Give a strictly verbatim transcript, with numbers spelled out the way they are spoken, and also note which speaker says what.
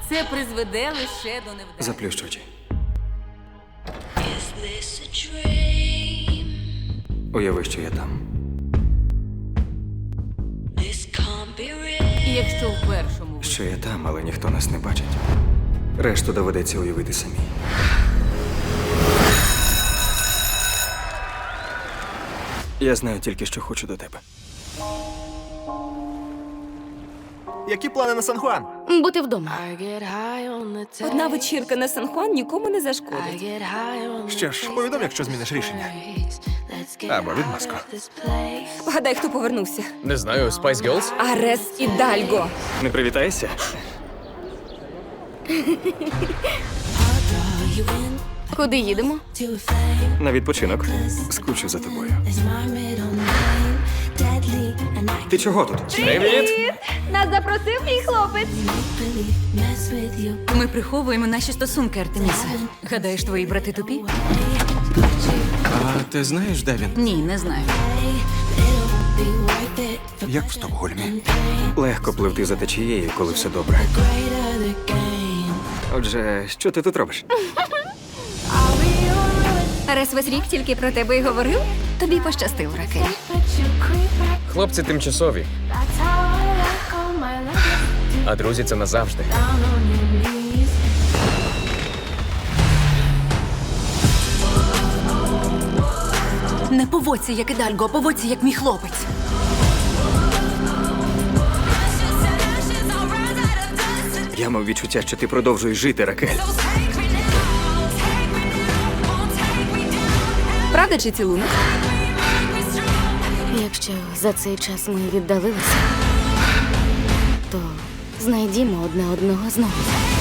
Speaker 1: Це призведе лише до невдачі.
Speaker 2: Заплющ очі. Уяви, що я там.
Speaker 1: І якщо в першому ви-
Speaker 2: Що я там, але ніхто нас не бачить. Решту доведеться уявити самі. Я знаю тільки, що хочу до тебе.
Speaker 3: Які плани на Сан-Хуан?
Speaker 4: Бути вдома.
Speaker 5: Одна вечірка на Сан-Хуан нікому не зашкодить.
Speaker 3: Що ж, повідом, якщо зміниш рішення. Або відмазку.
Speaker 5: Гадай, хто повернувся.
Speaker 6: Не знаю, Spice Girls?
Speaker 5: Арес і Дальго.
Speaker 2: Не привітаєшся?
Speaker 4: Куди їдемо?
Speaker 2: На відпочинок. Скучу за тобою. Ти чого тут?
Speaker 6: Привіт!
Speaker 4: Нас запросив мій хлопець.
Speaker 1: Ми приховуємо наші стосунки, Артеміса. Гадаєш, твої брати тупі?
Speaker 3: А ти знаєш, де він?
Speaker 1: Ні, не знаю.
Speaker 3: Як в Стокгольмі?
Speaker 2: Легко пливти за течією, коли все добре. Отже, що ти тут робиш?
Speaker 4: Арес весь рік тільки про тебе й говорив? Тобі пощастив, Ракель.
Speaker 6: Хлопці тимчасові, а друзі це назавжди.
Speaker 1: Не поводься, як і Дальго, а поводься, як мій хлопець.
Speaker 2: Я мав відчуття, що ти продовжуєш жити, Ракель.
Speaker 5: Правда чи цілунок?
Speaker 4: Якщо за цей час ми віддалилися, то знайдімо одне одного знову.